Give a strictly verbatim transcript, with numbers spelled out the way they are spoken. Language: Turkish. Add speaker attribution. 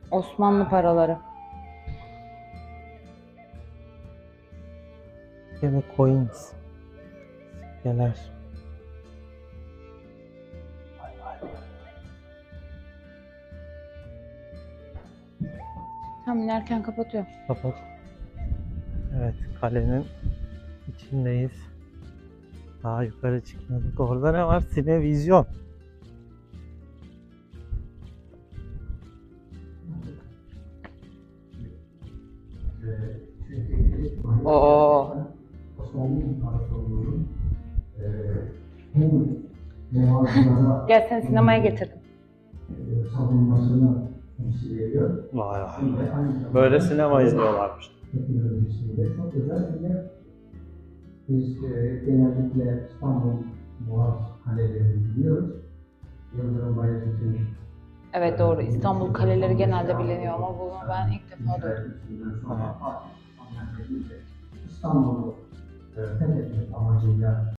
Speaker 1: Osmanlı paraları.
Speaker 2: Ve coins. Sikkeler. Vay vay.
Speaker 1: Tam inerken kapatıyor.
Speaker 2: Kapat. Evet, kalenin içindeyiz. Daha yukarı çıkmadık. Orada ne var? Sinevizyon.
Speaker 1: Oo.
Speaker 3: Osmanlı İmparatorluğu'nun hem muhafızlara
Speaker 1: Gel seni sinemaya getirdim.
Speaker 3: savunmasını temsil ediyor.
Speaker 2: Vay vay.
Speaker 3: Hem de aynı zamanda
Speaker 2: Böyle sinema izliyorlarmış.
Speaker 3: teknolojisiyle çok özel bir yer. Biz e, genellikle İstanbul Boğaz Kalelerini biliyoruz. Yıldırım Bayezid'in
Speaker 1: Evet doğru. İstanbul kaleleri genelde biliniyor ama bunu ben ilk defa duydum.
Speaker 3: İstanbul'u e, fethetmek amacıyla